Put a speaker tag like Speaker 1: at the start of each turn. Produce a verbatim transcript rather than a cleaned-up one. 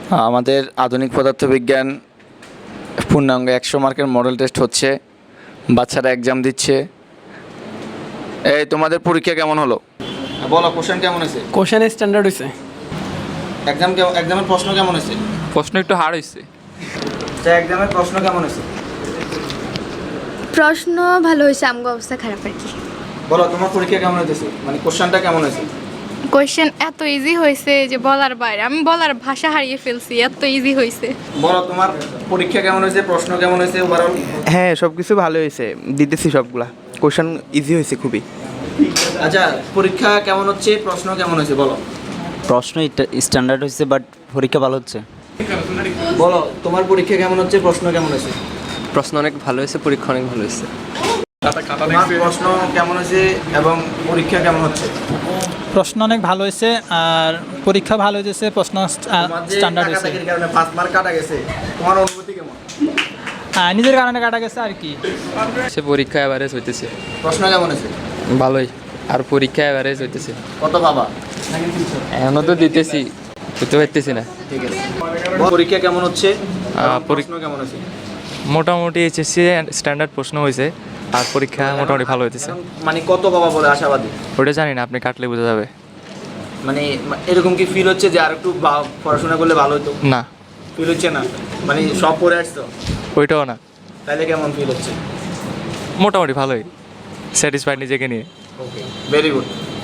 Speaker 1: আমাদের আধুনিক পদার্থবিজ্ঞান পূর্ণাঙ্গ একশো মার্কের মডেল টেস্ট হচ্ছে, বাচ্চারা এক্সাম দিচ্ছে। এই তোমাদের পরীক্ষা কেমন হলো বলো, কোশ্চেন কেমন হয়েছে?
Speaker 2: কোশ্চেন স্ট্যান্ডার্ড হয়েছে।
Speaker 1: এক্সাম এক্সামের প্রশ্ন কেমন হয়েছে?
Speaker 3: প্রশ্ন একটু হার্ড হয়েছে।
Speaker 1: আচ্ছা, এক্সামের প্রশ্ন কেমন হয়েছে?
Speaker 4: প্রশ্ন ভালো হয়েছে, আমগো অবস্থা খারাপ আর কি।
Speaker 1: বলো তোমার পরীক্ষা কেমন হয়েছে, মানে কোশ্চেনটা কেমন হয়েছে?
Speaker 5: কোয়েশ্চেন এত ইজি হয়েছে যে বলার বাইরে, আমি বলার ভাষা হারিয়ে ফেলছি, এত ইজি হয়েছে।
Speaker 1: বলো তোমার পরীক্ষা কেমন হয়েছে, প্রশ্ন কেমন হয়েছে ওভারঅল?
Speaker 2: হ্যাঁ, সব কিছু ভালো হয়েছে, দিতেছি সবগুলা। কোশ্চেন ইজি হয়েছে খুবই।
Speaker 1: আচ্ছা, পরীক্ষা কেমন হচ্ছে, প্রশ্ন কেমন হয়েছে বলো?
Speaker 6: প্রশ্ন স্ট্যান্ডার্ড হয়েছে, বাট পরীক্ষা ভালো হচ্ছে।
Speaker 1: বলো তোমার পরীক্ষা কেমন হচ্ছে, প্রশ্ন কেমন হয়েছে?
Speaker 3: প্রশ্ন অনেক ভালো হয়েছে, পরীক্ষা অনেক ভালো হয়েছে।
Speaker 1: তোমার প্রশ্ন কেমন হয়েছে এবং পরীক্ষা কেমন হচ্ছে?
Speaker 7: প্রশ্ন অনেক ভালো হয়েছে আর পরীক্ষা ভালো হয়েছে, প্রশ্ন স্ট্যান্ডার্ড হয়েছে।
Speaker 1: কাটাকাটির কারণে পাঁচ মার্ক কাটা গেছে, তোমার অনুভূতি কেমন?
Speaker 7: হ্যাঁ, নিজের কারণে কাটা গেছে আর কি।
Speaker 3: সে পরীক্ষা অ্যাভারেজ হইতেছে,
Speaker 1: প্রশ্ন কেমন হয়েছে?
Speaker 3: ভালোই। আর পরীক্ষা অ্যাভারেজ হইতেছে।
Speaker 1: কত বাবা?
Speaker 3: এখনও তো দিতেছি, দিতে পারতেছি না।
Speaker 1: ঠিক আছে, পরীক্ষা কেমন হচ্ছে,
Speaker 3: আহ,
Speaker 1: প্রশ্ন কেমন হয়েছে?
Speaker 8: মোটামুটি এইচএসসি স্ট্যান্ডার্ড প্রশ্ন হয়েছে আর পরীক্ষা মোটামুটি ভালো হইতেছে।
Speaker 1: মানে কত বাবা বলে আশাবাদী?
Speaker 8: ওটা জানি না, আপনি কাটলে বোঝা যাবে।
Speaker 1: মানে এরকম কি ফিল হচ্ছে যে আর একটু বা- পড়াশোনা করলে ভালো হতো?
Speaker 8: না,
Speaker 1: ফিল হচ্ছে না, মানে সব পড়ে আসছো
Speaker 8: ওইটাও না,
Speaker 1: তাহলে কেমন ফিল হচ্ছে?
Speaker 8: মোটামুটি ভালোই, স্যাটিসফাইড নিজেকে নিয়ে।
Speaker 1: Okay, very good.